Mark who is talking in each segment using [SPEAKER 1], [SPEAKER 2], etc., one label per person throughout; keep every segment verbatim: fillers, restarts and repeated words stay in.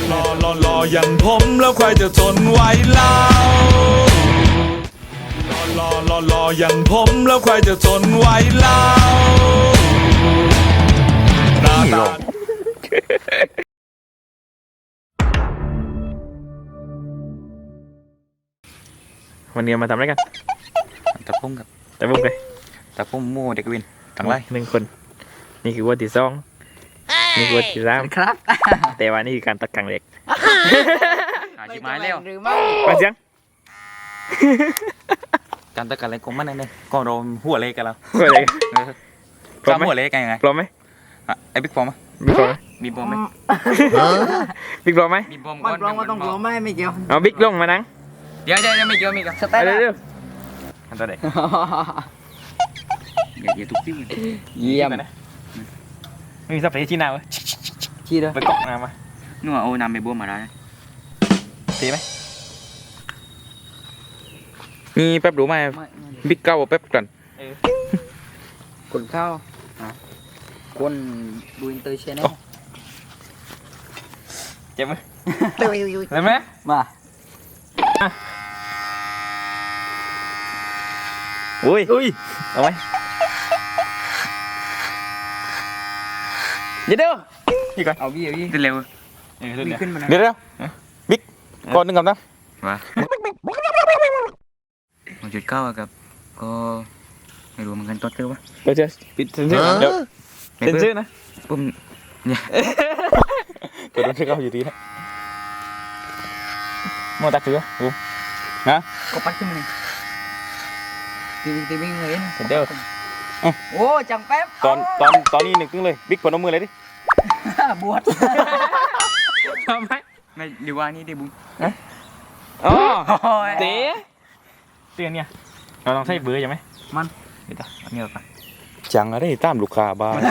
[SPEAKER 1] รอรอรออย่างผมแล้วใครจะทนไหวเล่ารอรอรออย่างผมแล้วใครจะทนไหวเล่าหน้าตา
[SPEAKER 2] วันนี้มาทำอะไรกัน
[SPEAKER 3] ตะพุ่งกับ
[SPEAKER 2] ตะพุ่งเลย
[SPEAKER 3] ตะพุ่งมู่เด็กวินทั้งไร
[SPEAKER 2] หนึ่งคนนี่คือวัวที่สองนี่คือวัวที่สาม
[SPEAKER 4] ครับ
[SPEAKER 2] แต่ว่านี่คือการตัดกังเหล็ก
[SPEAKER 3] หาจีไม้แล้ว
[SPEAKER 4] หรือไม่
[SPEAKER 2] มาเสียง
[SPEAKER 3] การตะกันอะไรก็มันนั่นเลยก็โดนหัวเล็กกันแล้ว
[SPEAKER 2] หัวเล็ก
[SPEAKER 3] ซ้ำหัวเล็กกันยังไง
[SPEAKER 2] พร้อมไหม
[SPEAKER 3] ไอ้บิ๊กปอม
[SPEAKER 2] บิ๊กพร้อมไหม
[SPEAKER 3] บิ๊กปอมไหม
[SPEAKER 2] บิ๊กพร้อมไหม
[SPEAKER 3] บิ๊กปอม
[SPEAKER 4] มันร้องก็ต้องร้องไม่ไม่เกี่ยว
[SPEAKER 2] เอาบิ๊กลงมานั่ง
[SPEAKER 3] เดี๋ยวเดี๋ยวไม่เกี่ยวไม่เกี่ยว
[SPEAKER 4] สเต็ป
[SPEAKER 2] เร็วอันตัวไหน
[SPEAKER 3] อย่าอย่าทุกที่
[SPEAKER 4] เยี่ยม
[SPEAKER 2] นะมีสับเปลี่ยนที่นาเว้ย
[SPEAKER 4] ชี้เลย
[SPEAKER 2] ไปกอกน้ำมา
[SPEAKER 3] นู่นเอาน้ำไปบ้วนมาได้
[SPEAKER 2] ตีไหมมีแป๊บรู้ไหมบิ๊กเก้าแป๊บกัน
[SPEAKER 4] คนเข้าคนดูอินเตอร์เชนแนล
[SPEAKER 2] เจ็บไหมเจ็บไหม
[SPEAKER 4] มา
[SPEAKER 2] อุ้ยอุ้ยเอาไหมเดี๋ยวเดี๋ยวนี่ก่อน
[SPEAKER 4] เอาพี่เอาพี่
[SPEAKER 3] เร็ว
[SPEAKER 4] มีขึ้นมา
[SPEAKER 2] เดี๋ยวเดี๋ยวบิ๊กก่อนหนึ่งกับนะ
[SPEAKER 3] มาหนึ่งจุดเก้ากับก็ไม่รู้เหมือนกันตัวเตอร์วะ
[SPEAKER 2] เดี๋ยวเจอปิดเซ็นเซอร์เดี๋ยวเซ็นเซอร์นะ
[SPEAKER 3] ปุ่มเนี่ย
[SPEAKER 2] เกิดโดนเช็คเอาอยู่ดีนะมอตักเสือปุ๊บนะ
[SPEAKER 4] ก็ปัดขึ้นมาเลยตีตีวิ่งเลยนะ
[SPEAKER 2] เดี๋ยว
[SPEAKER 4] โอ้จังแป๊บ
[SPEAKER 2] ตอนตอนตอนนี้หนึ่งตึ้งเลยบิ๊กพนมมือเลยดิ
[SPEAKER 4] บวช
[SPEAKER 2] ทำไม
[SPEAKER 3] ไม่ดีว่านี่ดิบุ้ง
[SPEAKER 2] อ๋อเต๋เตือนเนี่ยเราต้องใช้เบอร์ใช่ไหม
[SPEAKER 4] มัน
[SPEAKER 2] นี่ต่ออันนี้ต่อจังอะไรตามลูกค้าบ้าง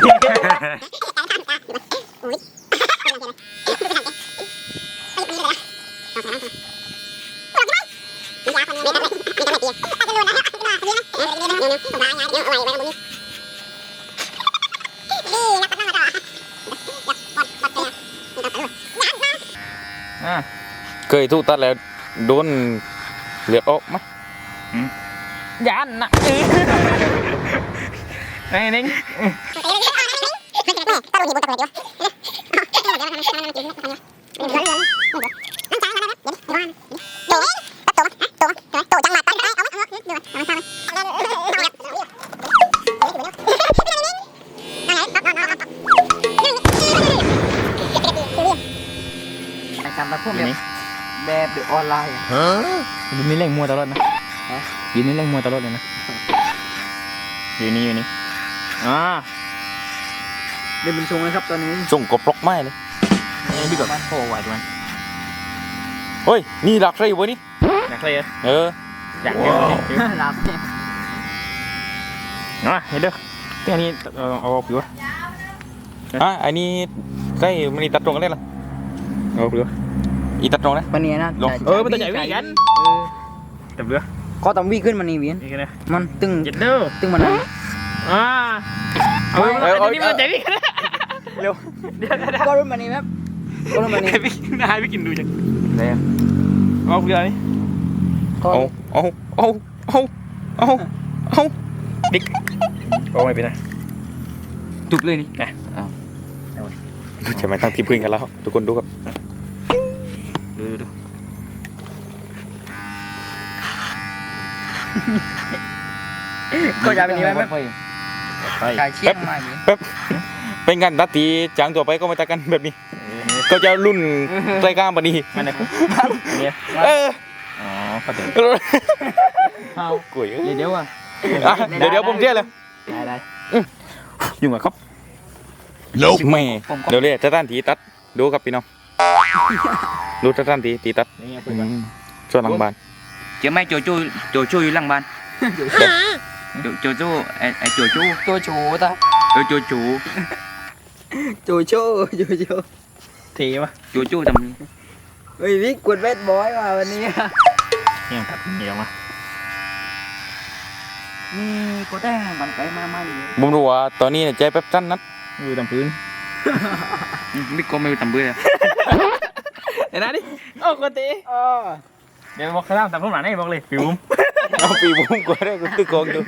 [SPEAKER 2] เคยถูกตัดแล้วโดนเลือดออกไหมยันนะไอ้นิ่ง
[SPEAKER 4] ไอ้การมาพวกแบบแบบเดือดออนไลน์
[SPEAKER 2] ยืนนี่เล่งมัวตลอดนะยืนนี่เล่งมัวตลอดเลยนะอยู่นี่อยู่นี่อ่า
[SPEAKER 4] เดินเป็นทรงเลยครับตอนนี้
[SPEAKER 2] ส่งกบปลอกไม้เลยนี่พี่กบโอ้ไหวด้วยเฮ้ยนี่หลักเลยอยู่วะนี่หลักเลยเอออยากเห็นเลย
[SPEAKER 4] หลับ
[SPEAKER 2] อ่ะเห็นเด้อที่อันนี้เอาออกอยู่อ่ะอันนี้ใกล้มันตัดตรงกันได้หรอเอาไปดูอีตัดตรงนะ
[SPEAKER 4] มันเนี่ยนะ
[SPEAKER 2] เออมันตัวใหญ่วิ่งกันแต่เบื่อ
[SPEAKER 4] ก็ต้องวิ่งขึ้นมันนี่วิ่งมันตึงตึงมัน
[SPEAKER 2] อ่าเอาเอาอันนี้มันใจวิ่งเร็ว
[SPEAKER 4] ก็รุ่นมันนี่ไหมก็รุ่นมันนี่
[SPEAKER 2] วิ่งนายไปกินดูจังไหนอ่ะเอาเรือนี่เอาเอาเอาเอาเอาเอาดิ๊กเอาไม่เป็นไร
[SPEAKER 3] ตุบเลยนี่
[SPEAKER 2] นะใช่ไหมตั้งทีมพื้นกันแล้วทุกคนดูครับดูดู
[SPEAKER 4] ก็จะเป็นนี้ไหมกายเชี่ยงมา
[SPEAKER 2] แป๊บเป็นกันตัดทีจางตัวไปก็มาตัดกันแบบนี้ก็จะรุ่นรายการบันนี้มันเนี่ยเอออ๋อเข้าใจเอากุ๋ย
[SPEAKER 4] เดี๋ยวอ่ะ
[SPEAKER 2] เดี๋ยวเดี๋ยวผมเชื่อเลย
[SPEAKER 4] ได้ได้
[SPEAKER 2] ยุ่งกับครับไม่เดี๋ยวเลยจะตั้นทีตัดดูครับพี่น้องดูจะตั้นทีตีตัดช่วยหลังบ้าน
[SPEAKER 3] เจอไหมโจโจ้โจโจ้อยู่หลังบ้านโจโจ้ไอไอโจโจ้
[SPEAKER 4] โจโจ้ตา
[SPEAKER 3] โจโจโจ
[SPEAKER 4] โจโจ้โจโจ้
[SPEAKER 2] ทีวะ
[SPEAKER 3] โจโจ้ทำ
[SPEAKER 4] เฮ้ยวิกกดเวทบอยมาวันนี้
[SPEAKER 2] ยังตัดเหนียวมา
[SPEAKER 4] นี่ก็ได้มันไปมามาอยู่
[SPEAKER 2] ผมรู้ว่าตอนนี้ใจแป๊บสั้นนัดอยู่ตามพื้น
[SPEAKER 3] บิ๊กก็ไม่อยู่ตามพื้นเลย
[SPEAKER 2] เห็นนะดิโอ้กตี
[SPEAKER 4] อ๋อ
[SPEAKER 3] เดี๋ยวบอกข้ามตามพวกหลานให้บอกเลยปีบุ้ม
[SPEAKER 2] เอาปีบุ้มกูได้กูตึกกองอยู่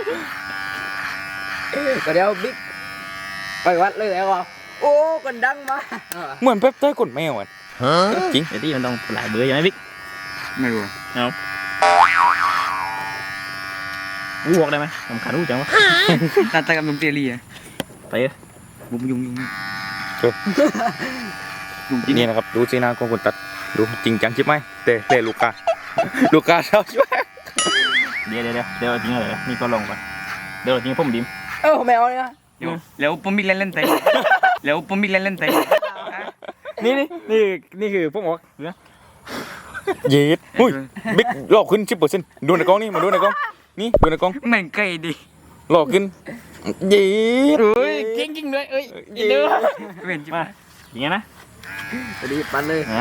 [SPEAKER 4] ก็เดี๋ยวบิ๊กไปวัดเลยแล้วอ่ะโอ้คนดังมา
[SPEAKER 2] เหมือนเป๊ปเต้ยกดแมวอ่ะจริง
[SPEAKER 3] เดี๋ยวที่มันต้องหลายเบอร์ใช่ไหมบิ๊กไม่รู้เอาอู้บอกได้ไหมสำคัญอู้จังวะตาตากับลุงเตียรีอะไปเออบุ้มยุงยุงยุงจริง
[SPEAKER 2] นี่นะครับดูสีหน้าของคนตัดดูจริงจังใช่ไหมเตะเตะลูกกาลูกกาเช้าใช่ไหม
[SPEAKER 3] เดี๋ยวเดี๋ยวเดี๋ยวเดี๋ยวจริงเหรอนี่ก็ลงก่อนเดี๋ยวจริงผมดิม
[SPEAKER 4] เออแมวเนี่ย
[SPEAKER 3] เดี๋ยวแล้วผมบิ๊กเล่นเล่นเตะแล้วผมบิ๊กเล่นเล่นเตะ
[SPEAKER 2] นี่นี่นี่นี่คือพวกหมอกเย็ดอุ้ยบิ๊กหลอกขึ้นสิบเปอร์เซ็นต์ดูในกล้องนี่มาดูในกล้องนี่ดูในกล้อง
[SPEAKER 3] เหมือนไก่ดิ
[SPEAKER 2] หลอกขึ้นเย็ด
[SPEAKER 3] เฮ้ยจริงจริงเลยเอ้ย
[SPEAKER 2] เย็ด
[SPEAKER 3] เว้นจิมาอย่างเงี้ยนะ
[SPEAKER 4] สวัสดีปันเลย
[SPEAKER 3] อ่า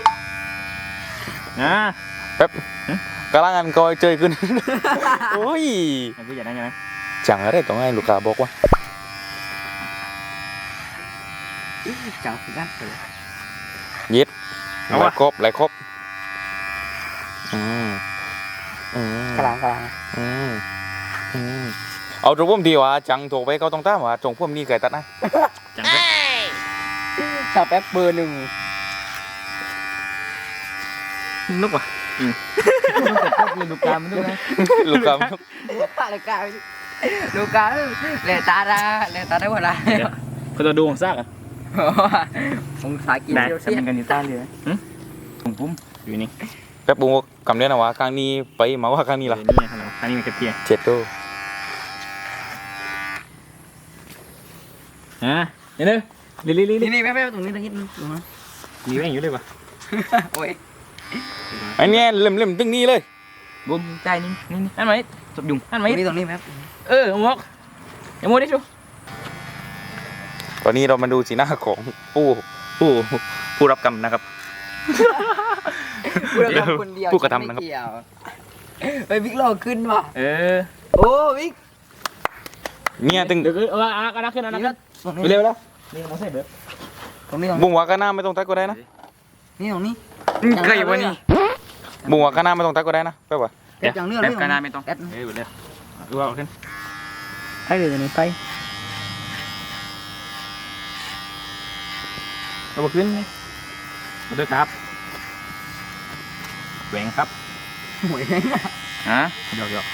[SPEAKER 3] อ่า
[SPEAKER 2] แป๊บกำลังอันกอยเจยขึ้นโอ้ย
[SPEAKER 3] มันก็อย่างนั้นใช่ไหม
[SPEAKER 2] จังอะไรต้องให้ลูกกาบอกว่า
[SPEAKER 4] จังสิกันเลย
[SPEAKER 2] เย็ดหลายครบหลายครบอืมอืม
[SPEAKER 4] กลางกลาง
[SPEAKER 2] อืมอืมเอาตรงพุ่มดีว่าจังโทรไปเขาต้องตามว่าตรงพุ่มนี่ไก่ตัดนะ
[SPEAKER 3] จังเลย
[SPEAKER 4] ชาวแป๊บเบอร์หนึ่ง
[SPEAKER 3] นุกว่ะอืมมันดูการมันดูนะ
[SPEAKER 2] ลูกกา
[SPEAKER 4] อะไรกันลูกกาเลตาดาเลตาได้หมดละ
[SPEAKER 3] เขาจะดูของซากอ่ะ
[SPEAKER 4] องศากิน
[SPEAKER 3] ได้
[SPEAKER 4] เดียว
[SPEAKER 3] ทำ
[SPEAKER 4] เสีย
[SPEAKER 3] เป็นกันนิต้าเลยอืมผมปุ้มอยู่นี่
[SPEAKER 2] แป๊บบุ้งกำเนี้ยนะวะครั้งนี้ไปมาว่าครั้งนี้ล่ะ
[SPEAKER 3] นี่ฮัลโหลอันนี้มันกระเทียม
[SPEAKER 2] เจ็ดโต
[SPEAKER 3] ฮะเดี๋ยวลิลิลิลิ
[SPEAKER 4] นี่นี่แป๊บแป๊บตรงนี้ตรงนี้ตรงนี้
[SPEAKER 3] มีแม่งอยู่เลยป่ะ
[SPEAKER 4] โอ้ย
[SPEAKER 2] ไอ้เนี่ยเล่มเล่มตึ้งนี้เลย
[SPEAKER 3] บุ้มใจนี่นี่นี่อันไหนสบยุงอัน
[SPEAKER 4] ต
[SPEAKER 3] ไหน
[SPEAKER 4] รงนี้ตรงนี้แป๊บ
[SPEAKER 3] เออมอกอย่าโมดิชู
[SPEAKER 2] ตอนนี้เรามาดูสีหน้าของผู้ผู้ผู้รับกรรมนะครับ
[SPEAKER 4] พูดกับคนเดียว
[SPEAKER 2] ผู้กระทำนะครับ
[SPEAKER 4] ไม่เกี่ยวไปบิ๊กหลอกขึ้นว่ะ
[SPEAKER 3] เออ
[SPEAKER 4] โอ้บิ๊ก
[SPEAKER 2] เนี่ยตึง
[SPEAKER 3] เดี๋ยวเอออ่ะก็นักขึ้นนะนักขึ้น
[SPEAKER 4] ตรง
[SPEAKER 3] ไป
[SPEAKER 4] นี้
[SPEAKER 3] เร็วแล้วนี่มอใส่เบอร์
[SPEAKER 4] ตรงนี้ตรงนี้
[SPEAKER 2] บุ้งว่าก็หน้าไม่ต้องตัดก็ได้นะ
[SPEAKER 4] นี่ตรงนี้
[SPEAKER 3] ไก่วะนี่
[SPEAKER 2] บุ้งว่าก็หน้าไม่ต้องตัดก็ได้นะแป๊บว่า
[SPEAKER 4] แป๊บจังเรื่อง
[SPEAKER 3] แบบกานาไม่ต้อง
[SPEAKER 4] แป๊บ
[SPEAKER 3] เออเร็วดูเอาขึ้นให้เดี๋ยวนี้ไปเอาขึ้นเลยมาด้วยครับแหวงครับ
[SPEAKER 4] หวย
[SPEAKER 3] ฮะหยอกหยอก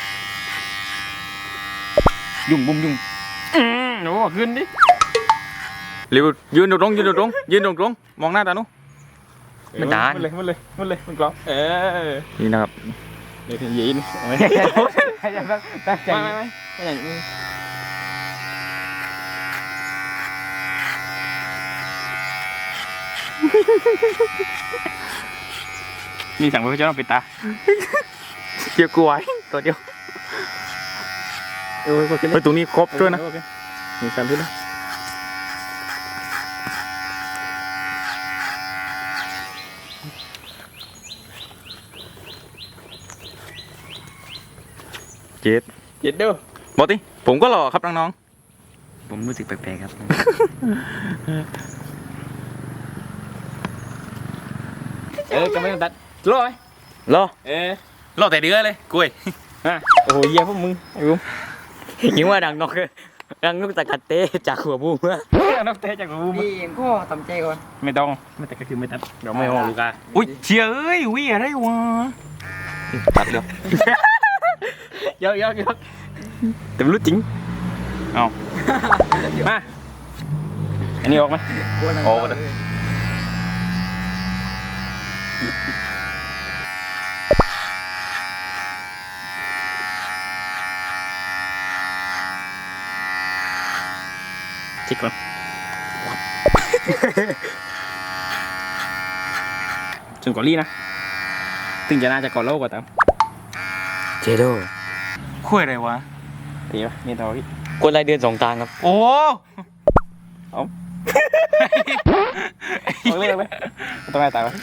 [SPEAKER 3] ยุ่งบุ้มยุ่งอืมโอ้ขึ้นดิ
[SPEAKER 2] เร็วยืนตรงๆยืนตรงๆยืนตรงๆมองหน้าตาหนุ
[SPEAKER 3] มันด่า
[SPEAKER 2] มันเลยมันเลยมันเลยมันกรอบเออนี่นะครับ
[SPEAKER 3] เดี๋ยวยินไม่ตั้งใจไม่ไม่ไม่อย่างนี้มีสั่งไปเพื่อจะต้องปิดตา
[SPEAKER 2] เกี่ยวกล้วยตัวเดียว
[SPEAKER 3] เออก็ขึ้น
[SPEAKER 2] ไปตรงนี้ครบด้วยนะ
[SPEAKER 3] มีสามที่นะ
[SPEAKER 2] เจ็ด
[SPEAKER 3] เย็ดเด้อ
[SPEAKER 2] บอกดิผมก็หล่อครับน้อง
[SPEAKER 3] ผมรู้สึกแปลกๆครับเออจะไม่ต้องตัดรอไหม
[SPEAKER 2] ๆหล่อ
[SPEAKER 3] เออ
[SPEAKER 2] หล่อแต่เดือเลยกล้วย
[SPEAKER 3] ฮะโอ้โหเยี่ยพวกมึงไอ้บุ้มยิงว่าดังนกดังนกตะกัดเตะจากหัวบุ้มอะนกเตะจากหัวบุ้ม
[SPEAKER 4] นี่ก็ทำใจก่อน
[SPEAKER 3] ไม่ต้องไม่แต่ก็คือไม่ตัดเดี๋ยวไม่ออกลูกาอุ้ยเชียเอ้ยวิ่งอะไรวะ
[SPEAKER 2] ตัดเดียว
[SPEAKER 3] เยอะเยอะเยอะแต่ไม่รู้จริงเอามาอันนี้ออกไหม
[SPEAKER 2] โอ้เลย
[SPEAKER 3] จิกก่อนจนกว่าลี่นะถึงจะน่าจะก่อนเล่ากว่าตาม
[SPEAKER 2] เจโดคุยอะไรวะ
[SPEAKER 3] ดีป่ะนี่ต่อพี่
[SPEAKER 2] คนรายเดือนสองตังครับโอ้
[SPEAKER 3] เอาเรื่องไหมต้องไงตายป่ะ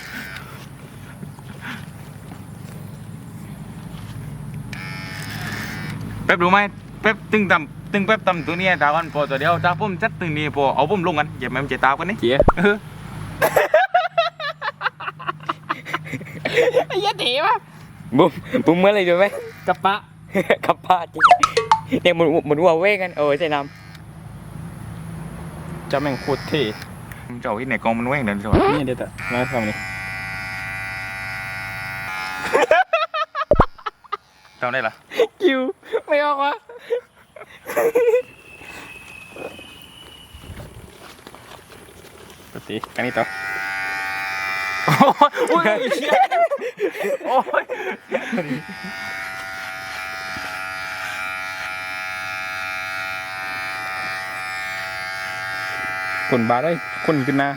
[SPEAKER 2] แป๊บรู้ไหมแป๊บตึงตำตึงแป๊บตำตัวเนี้ยตากันพอตัวเดียวตาผมจัดตึงนี่พอเอาผมลงกันอย่ามันจะตากันนี่
[SPEAKER 3] เจี๋ย
[SPEAKER 2] เออ
[SPEAKER 3] ไอ้เหี้ยเต๋ป่ะ
[SPEAKER 2] บุ้มบุ้มเมื่อไรดูไหม
[SPEAKER 3] กระปะ
[SPEAKER 2] กับป้าจริงเนี่ยมันมันวัวเว้กันเออใช่น้
[SPEAKER 3] จะแม่งโคตรเท่
[SPEAKER 2] ำเจ้าที่ไหนกองมันเว้งเดินสวน
[SPEAKER 3] นี่เดี๋ยวแต่มาทำนี่
[SPEAKER 2] จำได้ละ
[SPEAKER 3] คิวไม่ออกวะปกติกันนี่ต่อโอ้ยเชี่ยโอ้ยคนบาได้คนขึ้นหน้า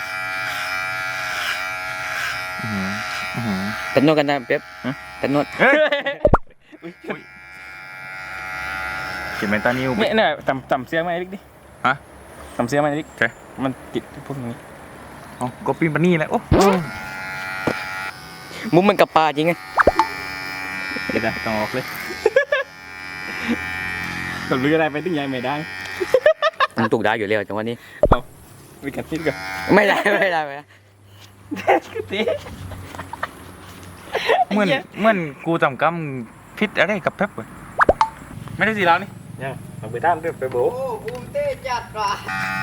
[SPEAKER 2] เป็นนวดกันนะเป๊ปเป็นนวดเขียนเป็นตานิ้ว
[SPEAKER 3] เนี่ยเนี่ยต่ำต่ำเสียงมาไอ้ดิดิ
[SPEAKER 2] ฮะ
[SPEAKER 3] ต่ำเสียงมาไอ้ดิ
[SPEAKER 2] ใช่
[SPEAKER 3] มันติดพวกนี้
[SPEAKER 2] อ๋อก็ปีนปนี่แหละโอ้มุ้มมันกับปลาจริงไง
[SPEAKER 3] เดี๋ยวนะต้องออกเลยกับเรืออะไรไปตึ้งใหญ่ไม่ได้
[SPEAKER 2] มันถูกได้อยู่แล้วจังหวะนี้
[SPEAKER 3] วิกัดนิดก่อน
[SPEAKER 2] ไม่ได้ไม่ได้ไม่ได้
[SPEAKER 3] ตี
[SPEAKER 2] เหมือนเหมือนกูจำกำพิษอะไรกับเป๊ปเลยไม่ได้สิแล้วนี่
[SPEAKER 3] ยังเอาไปด้านด้วยไปโบ
[SPEAKER 4] โอ้ภูมิเต้จัดว่ะ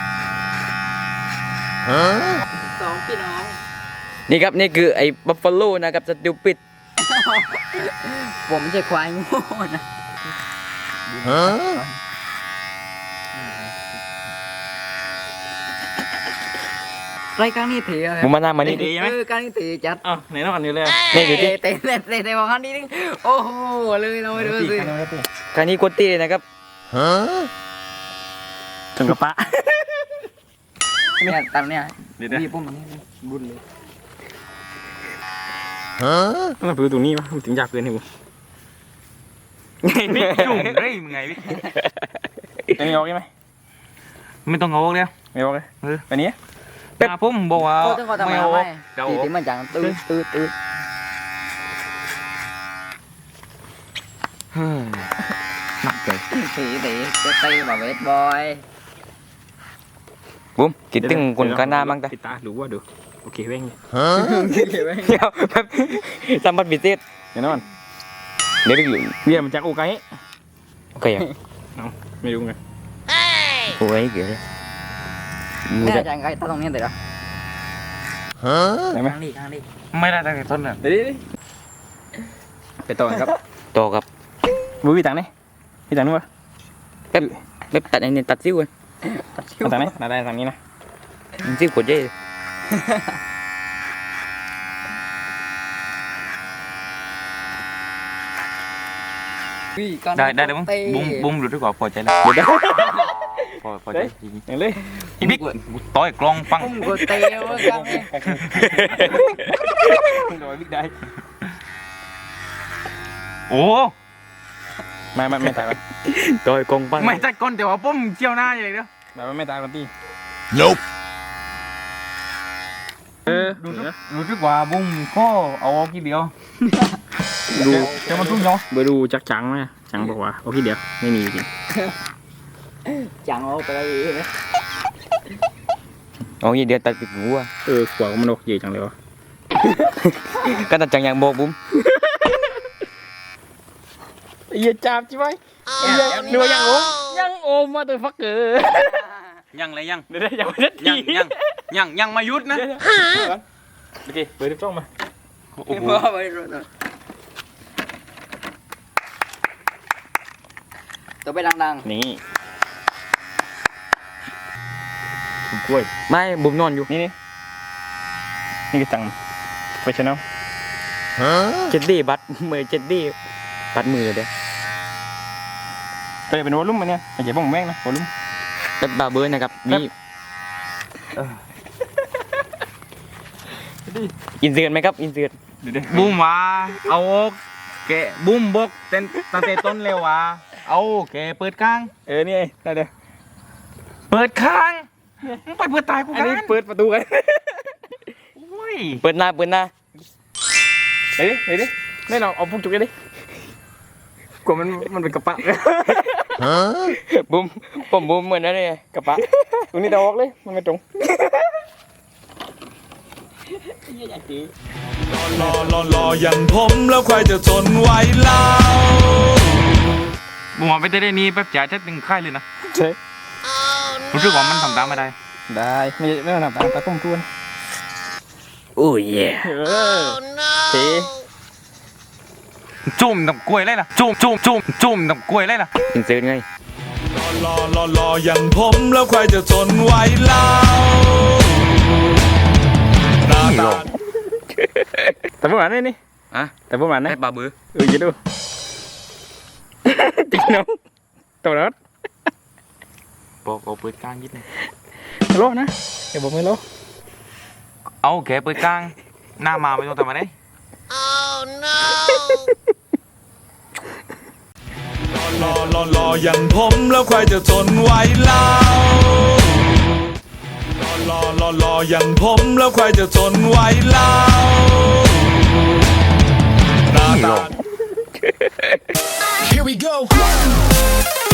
[SPEAKER 4] สองพี่น้อง
[SPEAKER 2] นี่ครับนี่คือไอ้บัฟฟาโลนะครับสติวปิด
[SPEAKER 4] ผมไม่ใช่ควายโง่นะรายการนี้เถีย
[SPEAKER 2] มึงมาหน้ามานี่
[SPEAKER 3] ดีไหม
[SPEAKER 4] เออการนี้เถียจัด
[SPEAKER 3] อ้าวไหนน้องอันนี้เลย
[SPEAKER 2] นี่ดูดิ
[SPEAKER 4] เตะเตะเตะเตะของคันนี้ดิโอ้โหเลยเราไปดูสิ
[SPEAKER 2] คราวนี้โคตรตีเลยนะครับ
[SPEAKER 3] ถึงกระปะ
[SPEAKER 4] เนี่ยตามเนี่ย
[SPEAKER 3] เดี๋ยวนะ
[SPEAKER 4] มีปุ่มอันนี้บุญเลย
[SPEAKER 3] ต้องไปดูตรงนี้วะมันถึงอยากเกินให้กู
[SPEAKER 2] ไงพี่จุ่มเฮ้ยมึงไงพี่
[SPEAKER 3] อันนี้ออกใช่ไหม
[SPEAKER 2] ไม่ต้องเอาแล้ว
[SPEAKER 3] ไม่ออกเลย
[SPEAKER 2] เออ
[SPEAKER 3] อันนี้
[SPEAKER 2] แต่ผมบอกว่า
[SPEAKER 4] โอ้ต้องขอทำไม
[SPEAKER 2] ไม่
[SPEAKER 4] เอา
[SPEAKER 2] เอา
[SPEAKER 4] ไว้
[SPEAKER 2] เดี๋ยว
[SPEAKER 4] ตีที่มันจังตื้อตื้อตื้อ
[SPEAKER 2] หนักเลย
[SPEAKER 4] ตีตีจะตีแบบเวทบอย
[SPEAKER 2] บุ้มคิดถึงคนกันหน้ามั้งแต่
[SPEAKER 3] ปิดตาดูว่าดูโอเคเว้ง
[SPEAKER 2] เดี๋ยวแบบสัมผัสพิเศษ
[SPEAKER 3] เดี๋ยวนอน
[SPEAKER 2] เดี๋ยวไปอยู่
[SPEAKER 3] เรียมันจากโอไก
[SPEAKER 2] โอเคอ่ะ
[SPEAKER 3] ไม่รู้ไง
[SPEAKER 2] โอ้ยเก๋เลยมึง
[SPEAKER 4] เนี่ย
[SPEAKER 2] จะ
[SPEAKER 4] จังไงตั้งตรงนี้เดี๋ยวนะ
[SPEAKER 3] ได้ไหม
[SPEAKER 4] ทางนี้ทางนี้
[SPEAKER 2] ไม่ได้ตั้งแต่ต้นเลย
[SPEAKER 3] เดี๋ยวดิไปต่อครับ
[SPEAKER 2] ต่อกับ
[SPEAKER 3] บุ้ยตังนี่พี่ตังนู้นวะ
[SPEAKER 2] เป๊ปเป๊ปตัดไอ้นี่ตัดซิ้วเลย
[SPEAKER 3] ตังนี่ได้ตังนี้นะ
[SPEAKER 2] มันซิ้วขวดเย่ ได้ได้เลยมั้งบุ้มบุ้มหลุดดีกว่าพอใจแล้วเดี๋ยวพอพอใจจริง
[SPEAKER 3] อย่างเลย
[SPEAKER 2] อีบิ๊กต่อยกลองปัง
[SPEAKER 4] ปุ้มกูเตะว่ากันเนี่ย
[SPEAKER 3] โดยบิ๊กได้
[SPEAKER 2] โอ้
[SPEAKER 3] ไม่ไม่ไม่ตายมัน
[SPEAKER 2] ต่อยกลองปัง
[SPEAKER 1] ไม่ใช่ก้นแต่ว่าปุ้มเจียวหน้าอย่างเดียว
[SPEAKER 3] ไม่ไม่ตายกันตี
[SPEAKER 1] Nope
[SPEAKER 3] เออ
[SPEAKER 2] รู้สึกรู้สึกว่าบุ้มก็เอากี่เดียว
[SPEAKER 3] ดู
[SPEAKER 2] เดี๋ยวมันทุ่งเนาะ
[SPEAKER 3] ไปดูจักจังไหมจังบอกว่าโอเคเดี๋ยวไม่มีจริง
[SPEAKER 4] จังเอาไปเลยนะ
[SPEAKER 2] เอากี่เดียวตัดปิดหัว
[SPEAKER 3] เออขวามันโอเคจังเลยวะ
[SPEAKER 2] ก็ตัดจังอย่างโบกบุ้ม
[SPEAKER 3] อย่าจับใช่ไหมดูยังโอมยังโอมมาตัวฟักเกอร์
[SPEAKER 2] ยังเลยยัง
[SPEAKER 3] เดี๋ยวอย่าไปนัด
[SPEAKER 2] ยังยังยังยังมายุดนะ
[SPEAKER 3] โอเคเบอร์ที่จ้องมา
[SPEAKER 2] โอ้โห
[SPEAKER 4] ไปรถตัวไปดัง
[SPEAKER 3] นี่กล้วย
[SPEAKER 2] ไม่บุ้มนอนอยู่
[SPEAKER 3] นี่นี่นี่คือจังไปชนะ
[SPEAKER 2] เจ็ดดี้บัตรมือเจ็ดดี้บัตรมือเด้อ
[SPEAKER 3] ไปเป็นวอลลุ่มมันเนี่ยไอ้เจ๊บ้องแม่งนะวอลลุ่ม
[SPEAKER 2] เป๊ปบาเบอร์นะครับมีอินเสิร์ตไหมครับอินเสิร์ต
[SPEAKER 1] บุ้มว่าเอาแกะบุ้มบกเต้นตั้งแต่ต้นเลยว่าเอาแกะเปิดข้าง
[SPEAKER 3] เออนี่ไงได้เด้อ
[SPEAKER 1] เปิดข้างมึงไปเปิดตายกู
[SPEAKER 3] อัน
[SPEAKER 1] กัน
[SPEAKER 3] นี้เปิดประตูกัน
[SPEAKER 1] โอ้ย
[SPEAKER 2] เปิดหน้าเปิดหน้า
[SPEAKER 3] เฮ้ยเฮ้ยดิแน่นอนเอาพวกจุกเลยดิกลัวมันมันเป็นกระปะ
[SPEAKER 2] บุ้มผมบุ้มเหมือนอะไร
[SPEAKER 3] กระปะตรงนี้เดาออกเลยมันไม่ตรง
[SPEAKER 5] รอรอรออย่างผมแล้วใครจะทนไหวเล่า
[SPEAKER 2] บุมเอาไปเต้นได้นี้แป๊บจ๋าจะตึงค่ายเลยนะ
[SPEAKER 3] ใช่
[SPEAKER 2] รู้สึกว่ามันทำตามไม่ได้
[SPEAKER 3] ได้ไม่ไม่ต้องทำตามตาต้มทวน
[SPEAKER 4] โอ้ยเย่
[SPEAKER 3] เออเท
[SPEAKER 2] จุ่มตับกล้วยเลยล่ะจุ่มจุ่มจุ่มจุ่มตับกล้วยเลยล่ะอินเสิร์ตไง
[SPEAKER 5] รอรอรออย่างผมแล้วใครจะทนไหวเล่าหน้าตา
[SPEAKER 3] แต่ประมาณนี้นี่
[SPEAKER 2] อ่ะ
[SPEAKER 3] แต่ประมาณนี้
[SPEAKER 2] ได้ปลาบือ
[SPEAKER 3] เออจะดูจริงน้องตัวรถ
[SPEAKER 2] บอกเอาเปิดกลางยิดนึง
[SPEAKER 3] โลนะเดี๋ยวผมไม่โล
[SPEAKER 2] เอาแกเปิดกลางหน้ามาไม่ต้องทำอะไร
[SPEAKER 5] รอรอรออย่างผมแล้วใครจะทนไหวเล่ารอรอรออย่างผมแล้วใครจะทนไหวเล่าหน้าตา
[SPEAKER 6] Here we go.